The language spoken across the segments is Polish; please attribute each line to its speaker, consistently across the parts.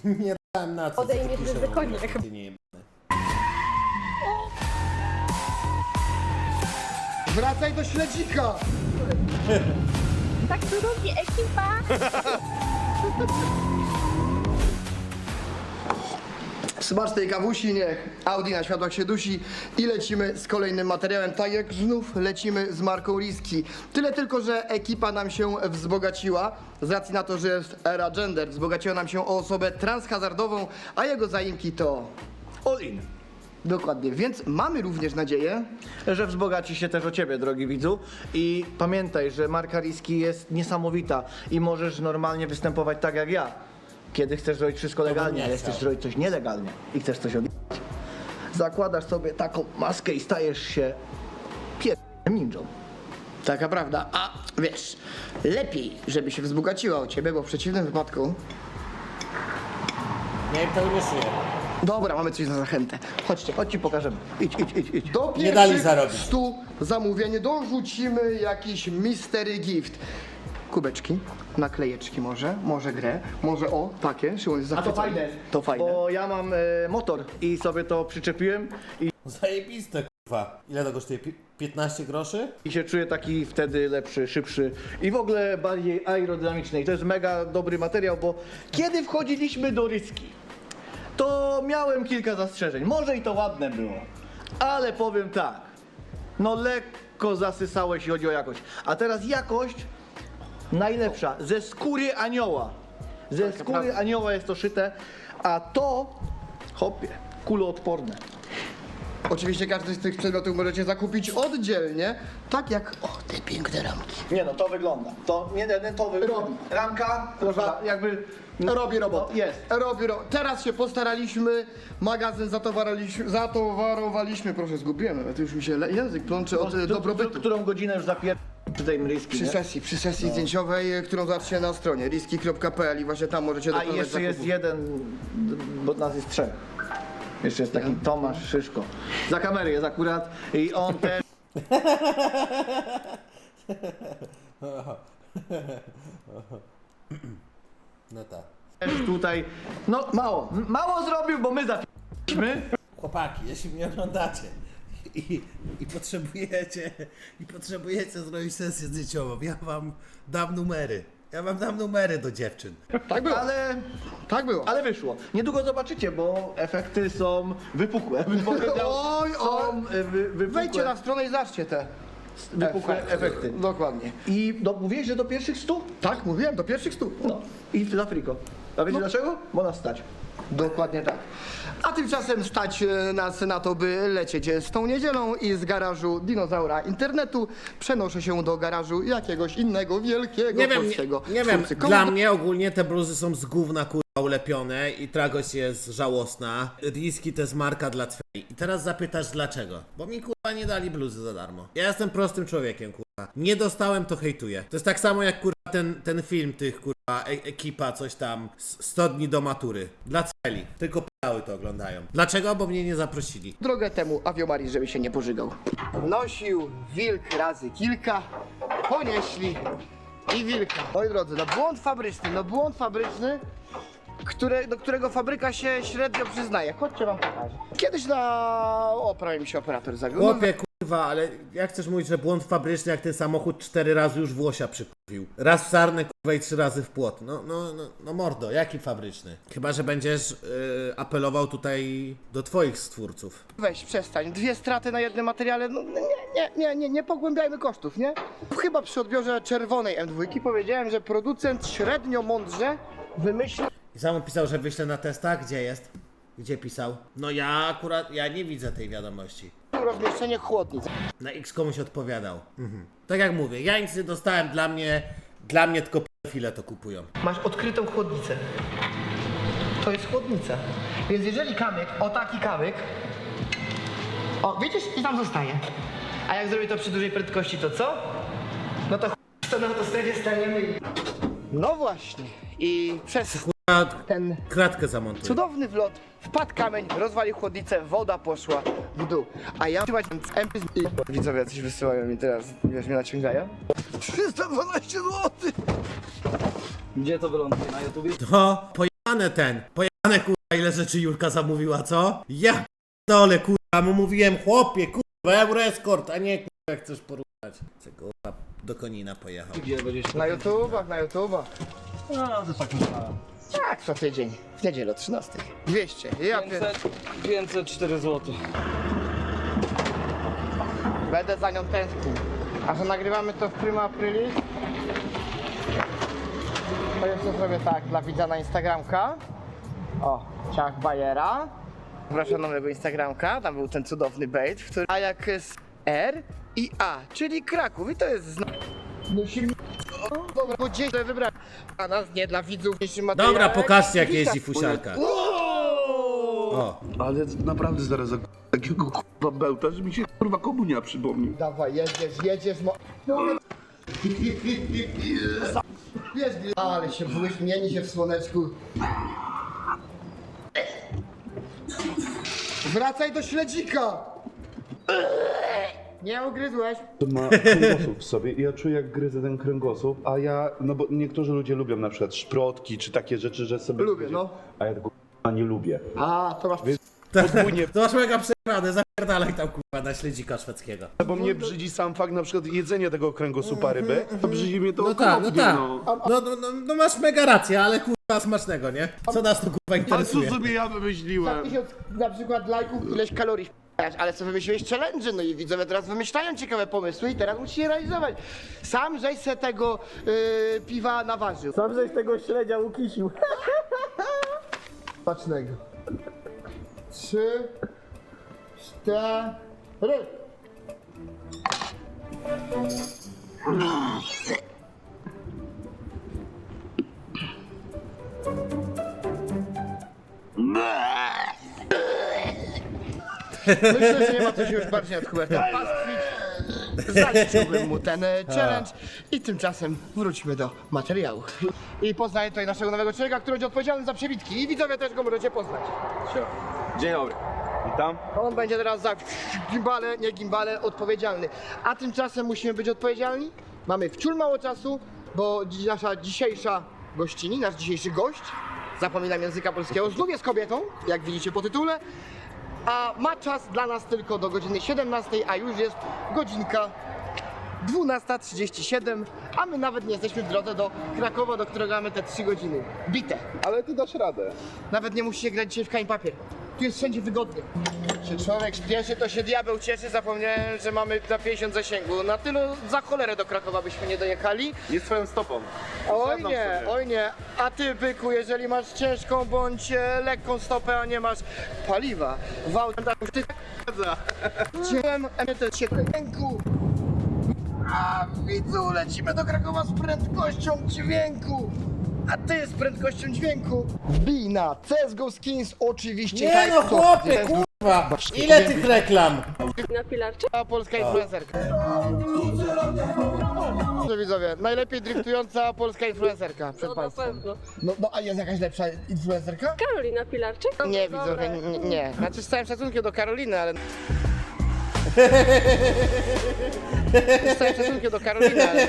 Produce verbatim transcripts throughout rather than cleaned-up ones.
Speaker 1: Nie dałem na co. co ty
Speaker 2: Odejmiesz
Speaker 1: piszesz w
Speaker 2: ryzykonie.
Speaker 1: ogóle, ty nie jebany.
Speaker 3: Wracaj do śledzika!
Speaker 2: Tak to robi ekipa.
Speaker 3: Smacz tej kawusi, niech Audi na światłach się dusi i lecimy z kolejnym materiałem, tak jak znów lecimy z marką Risky. Tyle tylko, że ekipa nam się wzbogaciła, z racji na to, że jest era gender, wzbogaciła nam się o osobę transhazardową, a jego zaimki to...
Speaker 4: All in.
Speaker 3: Dokładnie, więc mamy również nadzieję,
Speaker 4: Że wzbogaci się też o ciebie, drogi widzu. I pamiętaj, że marka Risky jest niesamowita i możesz normalnie występować tak jak ja. Kiedy chcesz zrobić wszystko legalnie,
Speaker 1: nie
Speaker 4: ale
Speaker 1: chciał.
Speaker 4: chcesz zrobić coś nielegalnie i chcesz coś odjechać. Zakładasz sobie taką maskę i stajesz się pierdolnym ninją.
Speaker 3: taka prawda, a wiesz, lepiej, żeby się wzbogaciła o ciebie, bo w przeciwnym wypadku...
Speaker 1: Nie wiem, tego nie szyję.
Speaker 3: Dobra, mamy coś na zachętę.
Speaker 4: Chodźcie, chodź ci pokażemy. Idź, idź, idź, idź.
Speaker 3: Do
Speaker 1: Nie dali
Speaker 3: pierwszych
Speaker 1: zarobić.
Speaker 3: stu zamówień dorzucimy jakiś mystery gift. Kubeczki, naklejeczki może, może grę, może o, takie, Szymon jest
Speaker 4: A to
Speaker 3: zachwycony.
Speaker 4: fajne.
Speaker 3: To fajne.
Speaker 4: Bo ja mam e, motor i sobie to przyczepiłem i,
Speaker 1: Zajebiste, kurwa. Ile to kosztuje? Pi- piętnaście groszy?
Speaker 4: i się czuję taki wtedy lepszy, szybszy i w ogóle bardziej aerodynamiczny. I to jest mega dobry materiał, bo kiedy wchodziliśmy do Risky, to miałem kilka zastrzeżeń. Może i to ładne było, ale powiem tak, no lekko zasysałeś, jeśli chodzi o jakość. A teraz jakość najlepsza, ze skóry anioła. Ze skóry
Speaker 3: prawda.
Speaker 4: anioła jest to szyte, a to, hopie, kuloodporne.
Speaker 3: Oczywiście każdy z tych przedmiotów możecie zakupić oddzielnie, tak jak, o, te piękne ramki.
Speaker 4: Nie no, to wygląda. To nie, nie to wy...
Speaker 3: Robi.
Speaker 4: Ramka, proszę, jakby...
Speaker 3: Robi robotę.
Speaker 4: No, jest.
Speaker 3: Robi ro... Teraz się postaraliśmy, magazyn zatowaraliśmy, zatowarowaliśmy, proszę, zgubiłem nawet, już mi się le- język plącze od e, dobrobytu.
Speaker 4: Którą godzinę już zapier... przy tej Risky,
Speaker 3: Przy
Speaker 4: nie?
Speaker 3: sesji, przy sesji zdjęciowej, e, którą zobaczycie na stronie risky kropka p l i właśnie tam możecie
Speaker 4: A
Speaker 3: dokonać
Speaker 4: i jeszcze jest
Speaker 3: zakupów.
Speaker 4: jeden, bo nas jest trzech. Jeszcze jest taki Tomasz Szyszko. Za kamery jest akurat i on też
Speaker 1: No tak.
Speaker 4: tutaj, no mało, m- mało zrobił, bo my zapiliśmy.
Speaker 1: Chłopaki, jeśli mnie oglądacie i, i potrzebujecie i potrzebujecie zrobić sesję zdjęciową, ja wam dam numery. Ja wam dam numery do dziewczyn.
Speaker 3: Tak było,
Speaker 4: Ale,
Speaker 3: tak było.
Speaker 4: ale wyszło. Niedługo zobaczycie, bo efekty są wypukłe. Bym powiedział,
Speaker 3: Oj, oj.
Speaker 4: są e, wy, wypukłe,
Speaker 3: Wejdźcie na stronę i zobaczcie te
Speaker 4: wypukłe efekty.
Speaker 3: Dokładnie.
Speaker 4: I do, mówiłeś, że do pierwszych stu?
Speaker 3: Tak, mówiłem, do pierwszych stu.
Speaker 4: No. I w Afriko. A wiecie dlaczego? Bo nas stać.
Speaker 3: Dokładnie tak. A tymczasem stać e, nas na to, by lecieć z tą niedzielą i z garażu dinozaura internetu przenoszę się do garażu jakiegoś innego wielkiego
Speaker 1: Nie wiem, nie,
Speaker 3: polskiego
Speaker 1: nie wiem,
Speaker 3: twórcy. Komu
Speaker 1: dla
Speaker 3: do-
Speaker 1: mnie ogólnie te bluzy są z gówna kurwa ulepione i tragość jest żałosna. Risky to jest marka dla twej. I teraz zapytasz dlaczego? Bo mi kurwa nie dali bluzy za darmo. Ja jestem prostym człowiekiem kurwa. Nie dostałem, to hejtuję. To jest tak samo jak kurwa ten, ten film tych kurwa e ekipa coś tam s- sto dni do matury. Dla celi. Tylko p***ały to oglądają. Dlaczego? Bo mnie nie zaprosili.
Speaker 3: Drogę temu Aviomaris, żeby się nie pożygał. Nosił wilk razy kilka, ponieśli i wilka. Moi drodzy, no błąd fabryczny, no błąd fabryczny, które, do którego fabryka się średnio przyznaje. Chodźcie wam pokażę. Kiedyś na... O, prawie mi się operator zawiódł. No,
Speaker 1: Chłopie kurwa, ale jak chcesz mówić, że błąd fabryczny, jak ten samochód cztery razy już włosia przykupił. Raz w sarnę kurwa i trzy razy w płot. No, no, no, no mordo, jaki fabryczny? Chyba, że będziesz yy, apelował tutaj do twoich stwórców.
Speaker 3: Weź, przestań. Dwie straty na jednym materiale, no nie, nie, nie, nie, nie pogłębiajmy kosztów, nie? Chyba przy odbiorze czerwonej M dwa powiedziałem, że producent średnio mądrze wymyślił
Speaker 1: I sam on pisał, że wyślę na testach. Gdzie jest? Gdzie pisał? No ja akurat, ja nie widzę tej wiadomości.
Speaker 3: rozmieszczenie chłodnic.
Speaker 1: Na X komuś odpowiadał. Mhm. Tak jak mówię, ja nic nie dostałem, dla mnie, dla mnie tylko pedofile to kupują.
Speaker 3: Masz odkrytą chłodnicę. To jest chłodnica. Więc jeżeli kamyk, o taki kamyk, o widzisz, i tam zostaje. A jak zrobię to przy dużej prędkości, to co? No to ch... to na autostradzie staniemy i... No właśnie. I przez
Speaker 1: A
Speaker 3: ten
Speaker 1: kratkę zamontuję.
Speaker 3: cudowny wlot wpadł kamień, rozwalił chłodnicę, woda poszła w dół. A ja trzymać M P i... Widzowie coś wysyłają mi teraz, wiesz, mnie naciągają. trzysta dwanaście złotych!
Speaker 4: Gdzie to wyląduje? Na YouTubie?
Speaker 1: To pojebane ten, pojebane Przejebane kurwa, ile rzeczy Julka zamówiła, co? Ja dole kurwa, mu mówiłem chłopie, kurwa, Euroescort, a nie kurwa, jak chcesz porównać. Co kurwa, do Konina pojechał.
Speaker 3: Na YouTubach, na YouTubach.
Speaker 5: No, to tak
Speaker 3: Tak, co tydzień. W niedzielę o trzynastej. dwieście. Ja pier...
Speaker 5: pięćset cztery złote.
Speaker 3: Będę za nią tęsknił. A że nagrywamy to w prima aprilis, to jeszcze zrobię tak dla widza na Instagramka. O, ciach bajera. Zapraszam na mojego Instagramka, tam był ten cudowny bait, w którym A jak jest R i A, czyli Kraków i to jest zna... Musimy... O, dobra, bo gdzieś wybrać. A nas nie dla widzów dzisiejszy materiał.
Speaker 1: Dobra, pokażcie jak jeździ fusiarka. O,
Speaker 6: Ale naprawdę zaraz za takiego kurwa bełta, że mi się kurwa komunia przypomnił.
Speaker 3: Dawaj, jedziesz, jedziesz, mo... Jest, ale się byłeś, mieni się w słoneczku. Wracaj do śledzika! Nie ugryzłeś?
Speaker 6: To ma kręgosłup w sobie i ja czuję jak gryzę ten kręgosłup, a ja, no bo niektórzy ludzie lubią na przykład szprotki czy takie rzeczy, że sobie...
Speaker 3: Lubię, no.
Speaker 6: A ja tego kurwa nie lubię.
Speaker 3: A, to masz...
Speaker 6: Podwójnie,
Speaker 1: to masz mega przejebane, zapierdalaj tam kurwa na śledzika szwedzkiego.
Speaker 6: bo mnie brzydzi sam fakt na przykład jedzenia tego kręgosłupa ryby, to brzydzi mnie to
Speaker 1: No tak, no
Speaker 6: okropnie,
Speaker 1: tak.
Speaker 6: no.
Speaker 1: No, no, no, no masz mega rację, ale kurwa smacznego, nie? Co nas to kurwa
Speaker 6: A co
Speaker 1: interesuje?
Speaker 6: sobie ja
Speaker 3: Za
Speaker 6: wymyśliłem?
Speaker 3: tysiąc na przykład lajków, ileś kalorii wpadasz, ale co wymyśliłeś challenge, no i widzowie teraz wymyślają ciekawe pomysły i teraz musisz je realizować. Sam żeś se tego yy, piwa naważył. Sam żeś tego śledzia ukisił. Pacznego. Trzy, cztery. Myślę, że nie ma co się już bardziej nad Hubertem pastwić. Zaliczyłbym mu ten e, challenge i tymczasem wróćmy do materiału. I poznaję tutaj naszego nowego człowieka, który będzie odpowiedzialny za przebitki i widzowie też go możecie poznać.
Speaker 7: Dzień dobry. Witam.
Speaker 3: On będzie teraz za gimbale, nie gimbale, odpowiedzialny. A tymczasem musimy być odpowiedzialni. Mamy wciul mało czasu, bo dzi- nasza dzisiejsza gościni, nasz dzisiejszy gość, zapominam języka polskiego, znów jest kobietą, jak widzicie po tytule. A ma czas dla nas tylko do godziny siedemnastej, a już jest godzinka dwunasta trzydzieści siedem, a my nawet nie jesteśmy w drodze do Krakowa, do którego mamy te trzy godziny. Bite.
Speaker 6: Ale ty dasz radę.
Speaker 3: Nawet nie musicie grać dzisiaj w kamień papier. Tu jest wszędzie wygodnie. Czy człowiek śpieszy, to się diabeł cieszy. Zapomniałem, że mamy na pięćdziesiąt zasięgu. Na tylu za cholerę do Krakowa byśmy nie dojechali.
Speaker 6: Jest swoją stopą.
Speaker 3: Oj nie, oj nie. A ty, byku, jeżeli masz ciężką bądź e, lekką stopę, a nie masz paliwa, w autach, ty Ciłem emetet się ręku. A widzu, lecimy do Krakowa z prędkością dźwięku. A ty z prędkością dźwięku wbij na C S G O Skins oczywiście.
Speaker 1: Nie
Speaker 3: Tak,
Speaker 1: no
Speaker 3: to-
Speaker 1: chłopie,
Speaker 3: C S G O
Speaker 1: kurwa! Ile tych reklam?
Speaker 2: Na pilarczy?
Speaker 3: A polska influencerka. Dobrze widzowie, najlepiej driftująca polska influencerka przed
Speaker 2: No na
Speaker 3: państwem.
Speaker 2: pewno.
Speaker 3: No, no a jest jakaś lepsza influencerka?
Speaker 2: Karolina Pilarczyk?
Speaker 3: Nie
Speaker 2: Dobra.
Speaker 3: widzowie, nie, nie. Znaczy z całym szacunkiem do Karoliny, ale... Z całym szacunkiem do Karoliny, ale...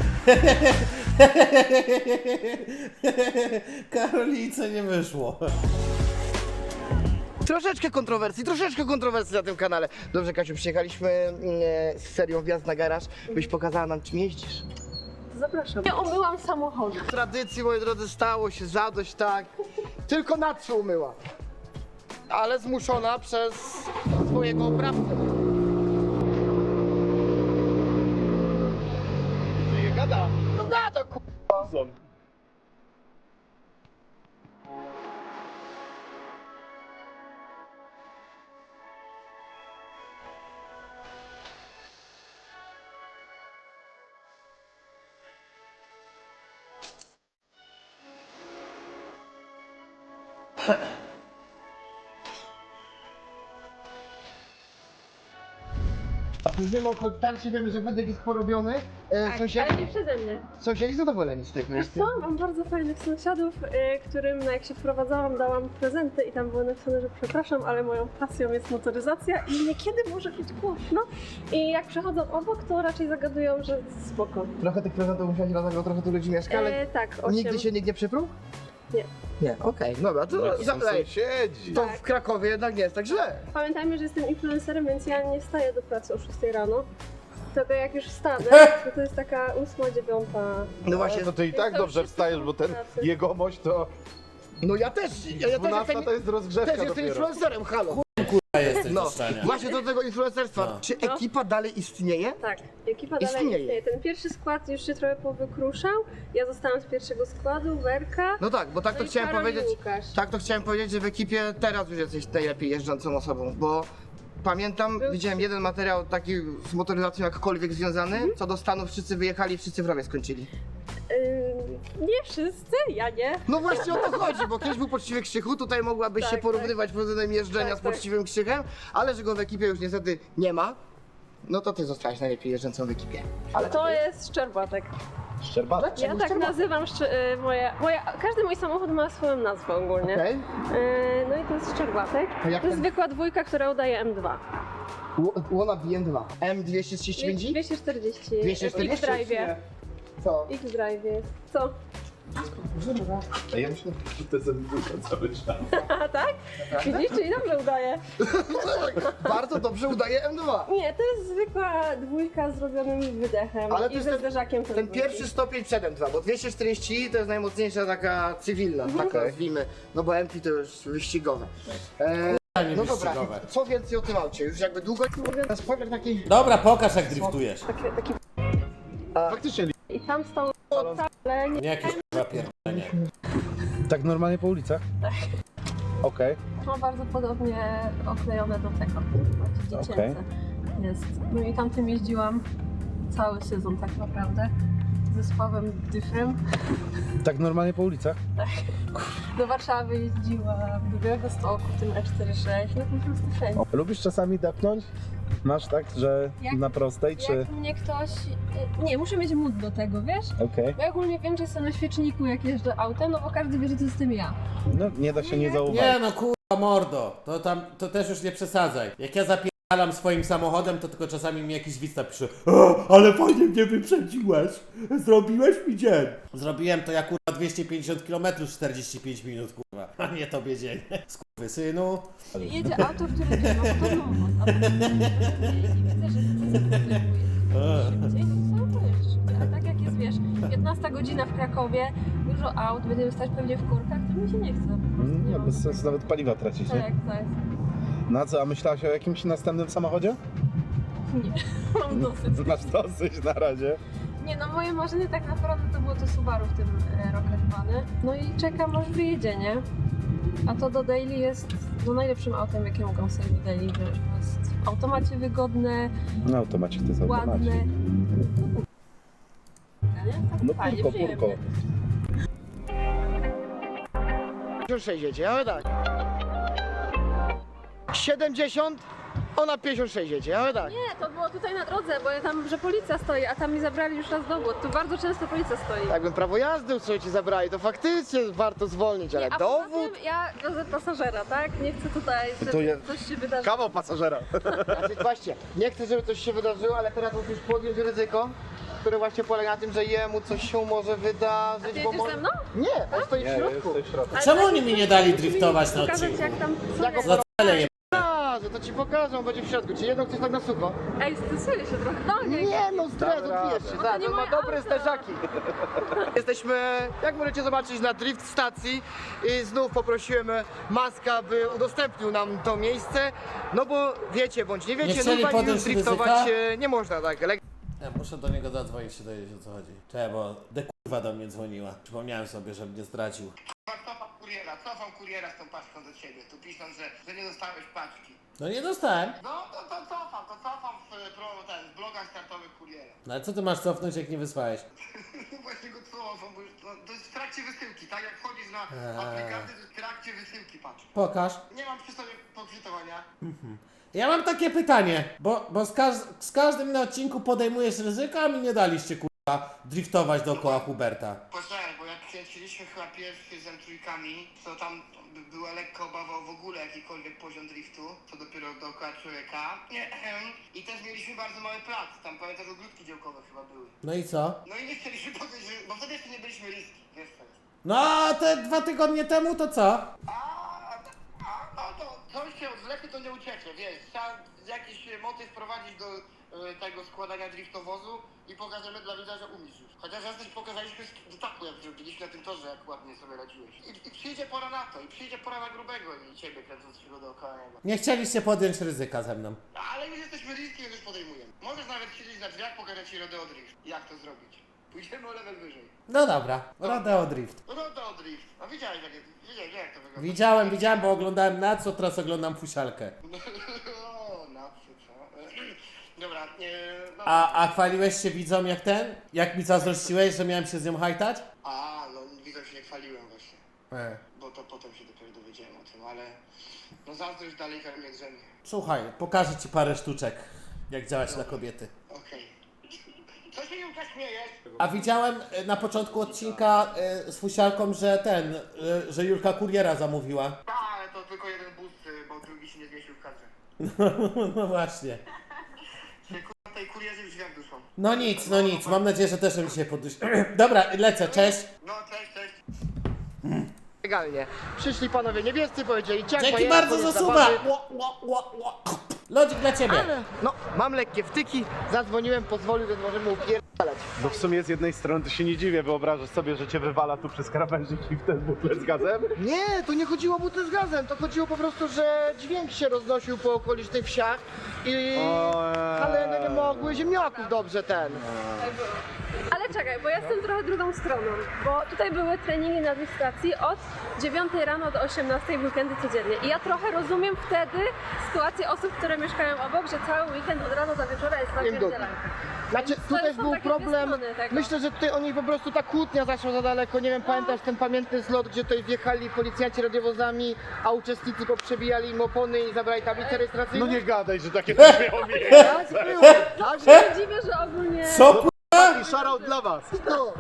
Speaker 1: Karolice nie wyszło.
Speaker 3: Troszeczkę kontrowersji, troszeczkę kontrowersji na tym kanale. Dobrze, Kasiu, przyjechaliśmy e, z serią Wjazd na garaż, byś pokazała nam, czym jeździsz.
Speaker 2: Zapraszam. Nie umyłam samochodu.
Speaker 3: W tradycji, moi drodzy, stało się zadość, tak. Tylko na co umyła. Ale zmuszona przez swojego oprawcę.
Speaker 6: Nie gada.
Speaker 3: No gada, k***a. Wiem o kontakcie, wiemy, że wędek jest porobiony. E,
Speaker 2: Tak,
Speaker 3: sąsiedzi,
Speaker 2: ale nie przeze mnie.
Speaker 3: sąsiedzi zadowoleni z tego.
Speaker 2: Wiesz co, mam bardzo fajnych sąsiadów, y, którym no, jak się wprowadzałam, dałam prezenty i tam było napisane, że przepraszam, ale moją pasją jest motoryzacja i niekiedy może być głośno. I jak przechodzą obok, to raczej zagadują, że spoko.
Speaker 3: Trochę tych prezentów musiałeś dlatego trochę tu ludzi mieszka, ale
Speaker 2: E, tak, osiem.
Speaker 3: nigdy się nikt nie przyprół?
Speaker 2: Nie.
Speaker 3: Nie, okej, dobra, to
Speaker 6: Są
Speaker 3: zapytaj.
Speaker 6: sąsiedzi.
Speaker 3: To w Krakowie jednak nie jest tak źle.
Speaker 2: Pamiętajmy, że jestem influencerem, więc ja nie wstaję do pracy o szóstej rano. Tylko jak już wstanę, to to jest taka ósma, dziewiąta.
Speaker 3: No właśnie,
Speaker 6: No to i tak
Speaker 2: to
Speaker 6: dobrze
Speaker 2: wszyscy
Speaker 6: wstajesz,
Speaker 2: są
Speaker 6: bo
Speaker 2: w
Speaker 6: ten
Speaker 2: pracy.
Speaker 6: jegomość to
Speaker 3: no ja też, ja, ja też
Speaker 6: dwunasta
Speaker 3: jestem,
Speaker 6: to jest rozgrzewka
Speaker 3: też jestem
Speaker 6: dopiero.
Speaker 3: influencerem, halo.
Speaker 1: A jesteś
Speaker 3: No,
Speaker 1: do szczania.
Speaker 3: właśnie do tego influencerstwa.
Speaker 1: No.
Speaker 3: Czy
Speaker 2: No.
Speaker 3: ekipa dalej istnieje?
Speaker 2: Tak, ekipa dalej
Speaker 3: Istnieje.
Speaker 2: istnieje. Ten pierwszy skład już się trochę powykruszał. Ja zostałam z pierwszego składu, Werka.
Speaker 3: No tak, bo tak to
Speaker 2: no i
Speaker 3: chciałem
Speaker 2: Karol i
Speaker 3: powiedzieć.
Speaker 2: Łukasz.
Speaker 3: Tak to chciałem powiedzieć, że w ekipie teraz już jesteś najlepiej jeżdżącą osobą, bo pamiętam,
Speaker 2: Był-
Speaker 3: widziałem jeden materiał taki z motoryzacją jakkolwiek związany,
Speaker 2: Mhm.
Speaker 3: co do Stanów wszyscy wyjechali, wszyscy w rowie skończyli.
Speaker 2: Ym, nie wszyscy, ja nie.
Speaker 3: No właśnie o to chodzi, bo kiedyś był poczciwy Krzychu, tutaj mogłabyś
Speaker 2: Tak,
Speaker 3: się
Speaker 2: tak.
Speaker 3: porównywać pod względem jeżdżenia
Speaker 2: Tak,
Speaker 3: z
Speaker 2: tak.
Speaker 3: poczciwym Krzychem, ale że go w ekipie już niestety nie ma, no to ty zostałaś najlepiej jeżdżącą w ekipie. Ale
Speaker 2: To jest Szczerbatek.
Speaker 6: Szczerbatek?
Speaker 2: Ja tak nazywam szcz- y, moje, moje. Każdy mój samochód ma swoją nazwę ogólnie.
Speaker 3: Okej.
Speaker 2: Y, no i to jest Szczerbatek.
Speaker 3: To jak
Speaker 2: To jest
Speaker 3: ten-
Speaker 2: zwykła dwójka, która udaje M dwa.
Speaker 3: Łona B M dwa. M dwieście trzydzieści pięć?
Speaker 2: dwieście czterdzieści.
Speaker 3: dwieście czterdzieści?
Speaker 2: X-Drive.
Speaker 3: Co?
Speaker 2: X-Drive. Co?
Speaker 6: A ja myślę, że to jest dwójka cały czas.
Speaker 2: A tak? Widzisz, czyli dobrze udaje.
Speaker 3: Bardzo dobrze udaje M dwa.
Speaker 2: Nie, to jest zwykła dwójka z zrobionym wydechem
Speaker 3: Ale to
Speaker 2: i
Speaker 3: jest
Speaker 2: ze
Speaker 3: ten-
Speaker 2: zderzakiem
Speaker 3: Ten
Speaker 2: trójki.
Speaker 3: pierwszy stopień przed M dwa, bo dwieście czterdzieści to jest najmocniejsza taka cywilna,
Speaker 2: Mhm.
Speaker 3: taka nazwijmy, no bo M P to już wyścigowe. E, no dobra,
Speaker 1: wyścigowe.
Speaker 3: co więcej o tym aucie? Już jakby długo ten spoiler taki...
Speaker 1: Dobra, pokaż jak driftujesz.
Speaker 2: Taki, taki...
Speaker 6: Faktycznie
Speaker 2: I tam stał ale nie
Speaker 1: Nie jakieś kurwa pierdolenie.
Speaker 6: tak normalnie po ulicach? Tak. Okej.
Speaker 2: ma bardzo podobnie oklejone do tego. Dziecięce
Speaker 6: Okej.
Speaker 2: jest. No i tamtym jeździłam cały sezon tak naprawdę. Ze Sławem Dyfrem.
Speaker 6: Tak normalnie po ulicach?
Speaker 2: Do Warszawy jeździłam, do Białegostoku, tym E czterdzieści sześć, no po prostu wszędzie.
Speaker 6: Lubisz czasami depnąć? Masz tak, że
Speaker 2: Jak-
Speaker 6: na prostej, czy...
Speaker 2: Jak mnie ktoś... Nie, muszę mieć mód do tego, wiesz?
Speaker 6: Okej.
Speaker 2: Bo ja ogólnie wiem, że jestem na świeczniku, jak jeżdżę autem, no bo każdy wie, że to jestem ja.
Speaker 6: No nie da się nie zauważyć.
Speaker 1: Nie no kurwa mordo, to tam, to też już nie przesadzaj. Jak ja zapierdalam swoim samochodem, to tylko czasami mi jakiś widz napisze o, ale fajnie mnie wyprzedziłeś, zrobiłeś mi dzień. Zrobiłem to ja kurwa dwieście pięćdziesiąt kilometrów czterdzieści pięć minut kurwa, a nie tobie dzień. Skurwysynu.
Speaker 2: Jedzie auto, w którym nie ma podobną moc, a potem i widzę, że ty szybciej, no to sam pojeżdżasz szybciej. A tak jak jest, wiesz, piętnasta godzina w Krakowie, dużo aut, będziemy stać pewnie w korkach, to mi się nie chce. Po prostu
Speaker 6: Mm,
Speaker 2: nie
Speaker 6: Nie,
Speaker 2: mam.
Speaker 6: bez sensu nawet paliwa tracić, nie?
Speaker 2: Tak, tak.
Speaker 6: Na co, a myślałaś o jakimś następnym samochodzie?
Speaker 2: Nie, mam dosyć.
Speaker 6: Masz dosyć na razie.
Speaker 2: Nie no, moje marzenie tak naprawdę to było to Subaru w tym e, Rocketmany. No i czekam aż wyjedzie, nie? A to do daily jest no, najlepszym autem, jakie mogą sobie daily wziąć, bo jest w automacie wygodne,
Speaker 6: No automacie to jest
Speaker 2: ładne.
Speaker 6: automacie.
Speaker 2: Nie? Tak
Speaker 6: No
Speaker 2: fajnie,
Speaker 6: purko,
Speaker 2: przyjemnie.
Speaker 6: purko.
Speaker 3: pięćdziesiąt sześć jedzie, ale tak. siedemdziesiąt, ona pięćdziesiąt sześć jedzie, ale tak.
Speaker 2: Nie, to było tutaj na drodze, bo ja tam, że policja stoi, a tam mi zabrali już raz dowód. Tu bardzo często policja stoi.
Speaker 3: Jakbym prawo jazdy sobie ci zabrali, to faktycznie warto zwolnić, ale
Speaker 2: Nie, a poza
Speaker 3: dowód?
Speaker 2: tym ja wiozę pasażera, tak? Nie chcę tutaj, żeby
Speaker 6: To ja-
Speaker 2: coś się wydarzyło.
Speaker 6: Kawał pasażera.
Speaker 3: Znaczy, właśnie, nie chcę, żeby coś się wydarzyło, ale teraz musisz podjąć ryzyko, które właśnie polega na tym, że jemu coś się może wydarzyć,
Speaker 2: A ty
Speaker 3: bo
Speaker 2: jedziesz
Speaker 3: mo-
Speaker 2: ze mną?
Speaker 3: Nie, on stoi w środku.
Speaker 6: w środku.
Speaker 2: Ale
Speaker 1: Czemu
Speaker 2: tak,
Speaker 1: oni mi
Speaker 2: to
Speaker 1: nie dali
Speaker 2: musi mi
Speaker 1: driftować na
Speaker 2: pokazać,
Speaker 1: odcinku?
Speaker 2: jak tam...
Speaker 3: Jak
Speaker 1: Za cele je...
Speaker 3: Pokażę, to ci pokażą, będzie w środku. Czy jedno chcesz tak na sucho?
Speaker 2: Ej, stresuję się trochę. No nie,
Speaker 3: Nie no, stres,
Speaker 6: Damy
Speaker 3: odbijesz
Speaker 6: radę.
Speaker 3: się,
Speaker 2: to
Speaker 3: tak,
Speaker 2: nie
Speaker 3: on ma
Speaker 2: moje
Speaker 3: dobre
Speaker 2: auto.
Speaker 3: zderzaki. Jesteśmy, jak możecie zobaczyć, na drift stacji i znów poprosiłem Maska, by udostępnił nam to miejsce, no bo wiecie, bądź nie
Speaker 1: Nie
Speaker 3: wiecie,
Speaker 1: chcieli
Speaker 3: no i
Speaker 1: podjąć
Speaker 3: już driftować
Speaker 1: ryzyka?
Speaker 3: e, nie można tak. Ele-
Speaker 1: Ja muszę do niego zadzwonić się dowiedzieć o co chodzi. Czekaj, bo de kurwa do mnie dzwoniła. Przypomniałem sobie, że mnie zdradził.
Speaker 3: Cofam kuriera, cofam kuriera z tą paczką do ciebie, tu piszą, że, że nie dostałeś paczki.
Speaker 1: No nie dostałem.
Speaker 3: No to, to cofam, to cofam w, pro, ten, w blogach startowych kuriera.
Speaker 1: No ale co ty masz cofnąć jak nie wysłałeś?
Speaker 3: Właśnie go cofam, bo już, no, to jest w trakcie wysyłki, tak? Jak wchodzisz na
Speaker 1: Eee.
Speaker 3: aplikację, to jest w trakcie wysyłki, patrz.
Speaker 1: Pokaż.
Speaker 3: Nie mam przy sobie podczytowania.
Speaker 1: Ja mam takie pytanie, bo, bo z, każ z każdym na odcinku podejmujesz ryzyko, a mi nie daliście kurwa driftować dookoła Huberta.
Speaker 3: Poczekaj, bo jak kręciliśmy chyba pierwszy z M trzy, to tam by- była lekka obawa o w ogóle jakikolwiek poziom driftu, to dopiero dookoła człowieka. Nie, ehem. I też mieliśmy bardzo mały plac, tam pamiętasz, ogródki działkowe chyba były.
Speaker 1: No i co?
Speaker 3: No i nie chcieliśmy powiedzieć, że, bo wtedy jeszcze nie byliśmy riski, wiesz co jest.
Speaker 1: No a te dwa tygodnie temu to co?
Speaker 3: A, a no to coś się odwleknie, to nie ucieknie, wiesz. Trzeba jakiś motyw wprowadzić do e, tego składania driftowozu i pokażemy dla widza, że umiesz już. Chociaż raz też pokazaliśmy z taku, jak zrobiliśmy na tym torze, jak ładnie sobie radziłeś. I, I przyjdzie pora na to, i przyjdzie pora na grubego i ciebie kręcącego dookoła niego.
Speaker 1: Nie chcieliście podjąć ryzyka ze mną.
Speaker 3: Ale już jesteśmy riskiem, więc już podejmujemy. Możesz nawet siedzieć na drzwiach, pokażę ci rodeo drift. Jak to zrobić? Pójdziemy o level wyżej.
Speaker 1: No dobra, Rodeo Drift.
Speaker 3: Rodeo drift. No widziałeś jak, widziałeś, jak to wygląda.
Speaker 1: Widziałem, widziałem, bo oglądałem na co, teraz oglądam fusialkę.
Speaker 3: O, na co, co? Dobra, nie, no.
Speaker 1: A, a chwaliłeś się widzom jak ten? Jak mi zazdrościłeś, że miałem się z nią hajtać?
Speaker 3: A, no widzę, się nie chwaliłem właśnie.
Speaker 1: E.
Speaker 3: Bo to potem się dopiero dowiedziałem o tym, ale... No zazdrość dalej we mnie drzemie.
Speaker 1: Słuchaj, pokażę ci parę sztuczek, jak działać na kobiety.
Speaker 3: Okej. Co się Julka śmiejesz?
Speaker 1: A widziałem e, na początku odcinka e, z fusialką, że ten, e, że Julka kuriera zamówiła.
Speaker 3: Tak, ale to tylko jeden bus, y, bo drugi się nie zmieścił w kadrze.
Speaker 1: No właśnie.
Speaker 3: Się kurwa tej kurierzy w drzwiach duszą.
Speaker 1: No nic, no nic, mam nadzieję, że też mi się podusi. Dobra, lecę, cześć.
Speaker 3: No, cześć, cześć. Legalnie. Przyszli panowie niebiescy, powiedzieli ciak,
Speaker 1: Dzięki
Speaker 3: bajera,
Speaker 1: bardzo
Speaker 3: koniec
Speaker 1: za suba.
Speaker 3: zabawy.
Speaker 1: Ło, ło, ło, ło. Lodzik dla ciebie.
Speaker 3: Ale, no, mam lekkie wtyki, zadzwoniłem, pozwolił, że możemy upierdalać.
Speaker 6: No w sumie z jednej strony to się nie dziwię, wyobrażasz sobie, że cię wywala tu przez krawężnik i w ten butle z gazem?
Speaker 3: Nie, to nie chodziło o buty z gazem, to chodziło po prostu, że dźwięk się roznosił po okolicznych wsiach i kaleny nie mogły ziemniaków dobrze ten.
Speaker 2: Ale czekaj, bo ja jestem trochę drugą stroną, bo tutaj były treningi na stacji od dziewiątej rano do osiemnastej w weekendy codziennie i ja trochę rozumiem wtedy sytuację osób, które mieszkają obok, że cały weekend od rana do wieczora jest napierdzielany.
Speaker 3: Znaczy, tu
Speaker 2: To
Speaker 3: też
Speaker 2: są
Speaker 3: był
Speaker 2: takie dwie
Speaker 3: problem,
Speaker 2: strony tego.
Speaker 3: myślę, że tutaj oni po prostu ta kłótnia zaszła za daleko, nie wiem, pamiętasz ten pamiętny zlot, gdzie tutaj wjechali policjanci radiowozami, a uczestnicy poprzebijali im opony i zabrali tablicę rejestracyjną?
Speaker 6: No nie gadaj, że takie coś miało miejsce.
Speaker 3: Tak było, tak
Speaker 2: Ja się dziwię, że ogólnie...
Speaker 1: Co ku...
Speaker 6: I shoutout dla was.
Speaker 3: no.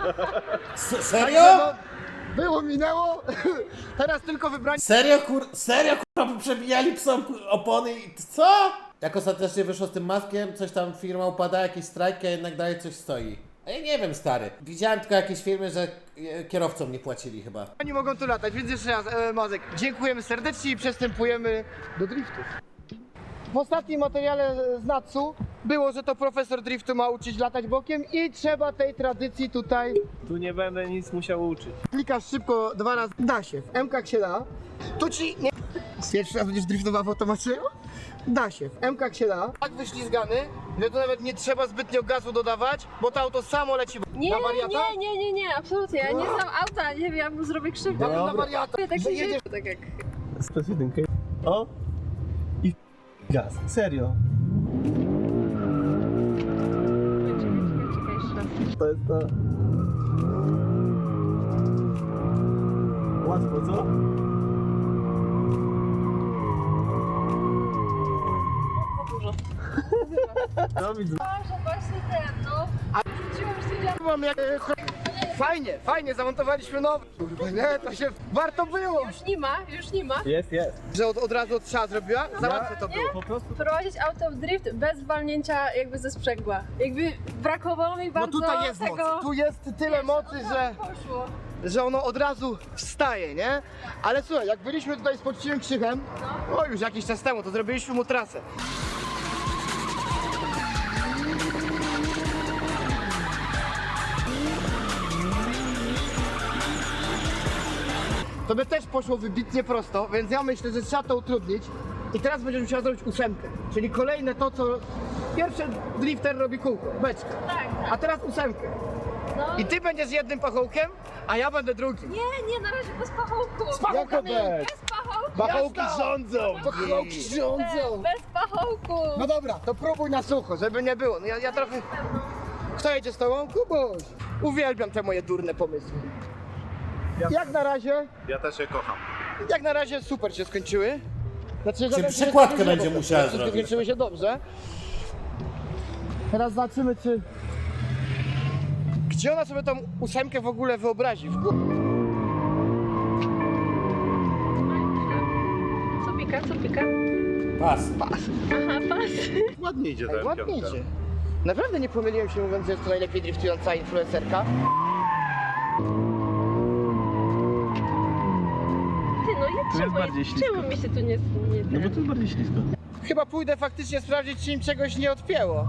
Speaker 1: S- Serio?
Speaker 3: No, było, minęło, teraz tylko wybrani.
Speaker 1: Serio kur... Serio kurwa, przebijali psom kur- opony i... Co? Jak ostatecznie wyszło z tym maskiem, coś tam firma upada, jakieś strajki, a jednak dalej coś stoi. A ja nie wiem, stary. Widziałem tylko jakieś filmy, że e, kierowcom nie płacili chyba.
Speaker 3: Oni mogą tu latać, więc jeszcze raz, e, Mazek, dziękujemy serdecznie i przystępujemy do driftów. W ostatnim materiale z Natsu było, że to profesor driftu ma uczyć latać bokiem i trzeba tej tradycji tutaj...
Speaker 5: Tu nie będę nic musiał uczyć.
Speaker 3: Klikasz szybko dwa razy, da się, w M-kach się da. Tu ci nie... Pierwszy raz będziesz driftował w automacie? Da się, w M-kach się da. Tak wyślizgany, że to nawet nie trzeba zbytnio gazu dodawać, bo to auto samo leci
Speaker 2: Nie,
Speaker 3: na wariata.
Speaker 2: nie, nie, nie, nie, absolutnie, ja nie znam auta, nie wiem, ja mu zrobię krzywdę.
Speaker 3: Nawet na wariata.
Speaker 2: Tak
Speaker 3: Że
Speaker 2: się
Speaker 3: jedziesz...
Speaker 2: tak jak...
Speaker 5: Stos jedynkę. O! I gaz. Serio.
Speaker 2: Czekaj, czekaj, czekaj jeszcze raz.
Speaker 5: To jest to. Łatwo, co?
Speaker 2: Za dużo.
Speaker 5: No widzę.
Speaker 2: Boże, właśnie ten, no. Wróciłam, już siedziałam.
Speaker 3: Mam jak... e, Fajnie, fajnie, zamontowaliśmy nowy. Kurwa, nie, to się warto było.
Speaker 2: Już nie ma, już nie ma.
Speaker 5: Jest, jest.
Speaker 3: Że od, od razu od strzała zrobiła? Za łatwe to było.
Speaker 5: Po prostu.
Speaker 2: Prowadzić auto w drift bez walnięcia jakby ze sprzęgła. Jakby brakowało mi
Speaker 3: No
Speaker 2: bardzo
Speaker 3: tutaj jest
Speaker 2: tego...
Speaker 3: moc. Tu jest tyle mocy, że,
Speaker 2: Poszło.
Speaker 3: że ono od razu wstaje, nie? Ale słuchaj, jak byliśmy tutaj z poczciwym Krzychem, o już jakiś czas temu, to zrobiliśmy mu trasę. To by też poszło wybitnie prosto, więc ja myślę, że trzeba to utrudnić. I teraz będziesz musiała zrobić ósemkę, czyli kolejne to, co pierwszy drifter robi kółko, beczkę.
Speaker 2: Tak,
Speaker 3: A teraz ósemkę.
Speaker 2: no.
Speaker 3: I ty będziesz jednym pachołkiem, a ja będę drugim.
Speaker 2: Nie, nie, na razie bez pachołku.
Speaker 3: Z pachołkami!
Speaker 2: Bez pachołku.
Speaker 6: Pachołki
Speaker 3: Jasno.
Speaker 6: rządzą!
Speaker 3: Pachołki rządzą!
Speaker 2: Bez pachołku.
Speaker 3: No dobra, to próbuj na sucho, żeby nie było. No ja, ja trochę... Kto jedzie z tobą? Kubuś! Uwielbiam te moje durne pomysły. Jak na razie,
Speaker 6: Ja też je kocham.
Speaker 3: jak na razie super się skończyły. Znaczy, że
Speaker 1: przekładkę
Speaker 3: że-
Speaker 1: będzie
Speaker 3: że-
Speaker 1: musiała
Speaker 3: że
Speaker 1: zrobić.
Speaker 3: Skończyły się dobrze. Teraz zobaczymy, czy... Gdzie ona sobie tą ósemkę w ogóle wyobrazi? W głowie.
Speaker 2: Co pika, co pika?
Speaker 1: Pas.
Speaker 2: Aha, pas.
Speaker 6: Ładnie idzie
Speaker 3: Ej,
Speaker 6: ten
Speaker 3: ładnie
Speaker 6: piątka.
Speaker 3: idzie. Naprawdę nie pomyliłem się mówiąc, że jest to najlepiej driftująca influencerka.
Speaker 5: bardziej ślisko.
Speaker 2: Czemu mi się tu nie... nie
Speaker 5: No bo to jest bardziej ślisko.
Speaker 3: Chyba pójdę faktycznie sprawdzić, czy im czegoś nie odpięło.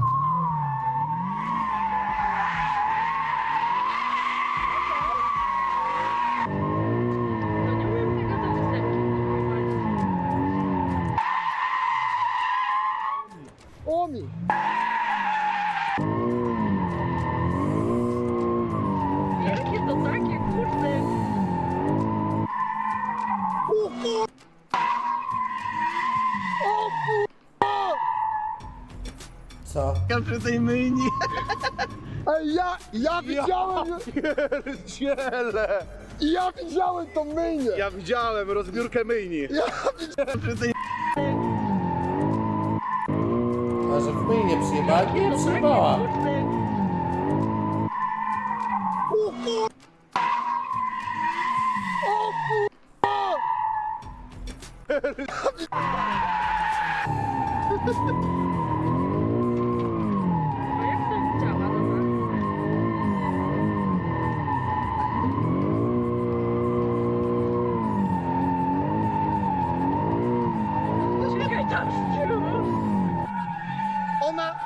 Speaker 2: No nie umiem tego do ósemki prowadzić.
Speaker 3: Omi!
Speaker 2: Jakie to takie, kurde.
Speaker 1: Co?
Speaker 5: Ja przy tej myjni.
Speaker 3: Ej, ja, ja widziałem,
Speaker 6: Pierdziele!
Speaker 3: ja widziałem tą myjnię!
Speaker 6: Ja widziałem rozbiórkę myjni.
Speaker 5: Przy tej...
Speaker 1: A że w myjnie przyjebała? Nie,
Speaker 2: To
Speaker 1: przyjebała.
Speaker 2: takie, kurde. A jak to działa, dobra? Czekaj tam z tyłu.
Speaker 3: Ona...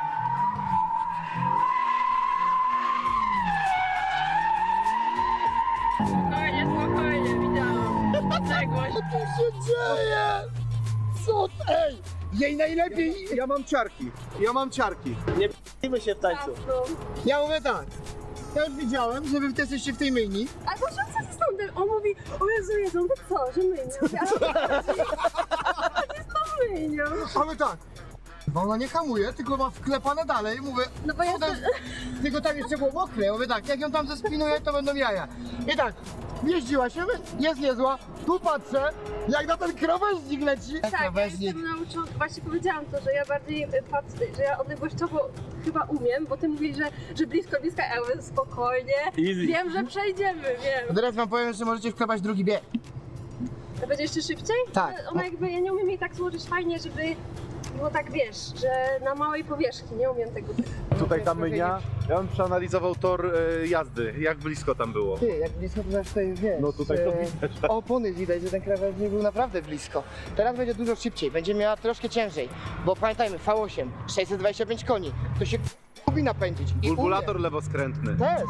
Speaker 2: Spokojnie, spokojnie, widziałam. Odległość.
Speaker 3: Co tu się dzieje? Co? Ej! Jej najlepiej...
Speaker 6: Ja mam ciarki. Ja mam ciarki.
Speaker 5: Nie p***my się w tańcu.
Speaker 2: No.
Speaker 3: Ja mówię tak. Ja już widziałem, że wy też jesteście w tej myjni.
Speaker 2: A to co ze sądem? On mówi, o Jezu, Jezu, no to co, że myjnia? Ja mówię, ale to jest to myjnia.
Speaker 3: A my tak. Bo ona nie hamuje, tylko ma wklepane dalej. Mówię,
Speaker 2: No bo ja
Speaker 3: co tam- tylko tam jeszcze było mokre. Ja mówię tak, jak ją tam zespinuję, to będą jaja. I tak, jeździła się, mówię, jest niezła. Tu patrzę, jak na ten krawężnik leci.
Speaker 2: Tak, ja jestem nauczona, właśnie powiedziałam to, że ja bardziej y, patrzę, że ja odległościowo chyba umiem, bo ty mówisz, że, że blisko, blisko, a ja mówię, spokojnie,
Speaker 5: Easy.
Speaker 2: wiem, że przejdziemy, wiem.
Speaker 3: Teraz wam powiem, że możecie wklepać drugi bieg.
Speaker 2: A będzie jeszcze szybciej?
Speaker 3: Tak.
Speaker 2: Ale Ona jakby, ja nie umiem jej tak złożyć fajnie, żeby było tak, wiesz, że na małej powierzchni, nie umiem tego.
Speaker 6: Tutaj ta mynia. Ja bym przeanalizował tor e, jazdy. Jak blisko tam było.
Speaker 3: Ty, jak blisko to znaczy tutaj wiesz.
Speaker 6: No tutaj to
Speaker 3: e,
Speaker 6: widać.
Speaker 3: Opony widać, że ten krawężnik był naprawdę blisko. Teraz będzie dużo szybciej, będzie miała troszkę ciężej. Bo pamiętajmy, V osiem, sześćset dwadzieścia pięć koni. To się lubi napędzić. I
Speaker 6: Bulbulator lewoskrętny.
Speaker 3: umie. Też.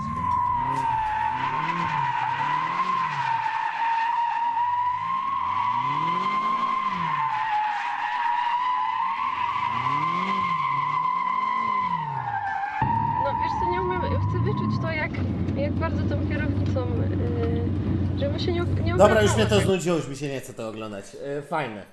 Speaker 2: No wiesz co, nie umiem, chcę wyczuć to, jak, jak bardzo tą kierownicą, yy, żeby się nie, nie
Speaker 1: Dobra, już
Speaker 2: obracało
Speaker 1: mnie to
Speaker 2: tak.
Speaker 1: znudziło, już mi się nie chce to oglądać. Yy, fajne.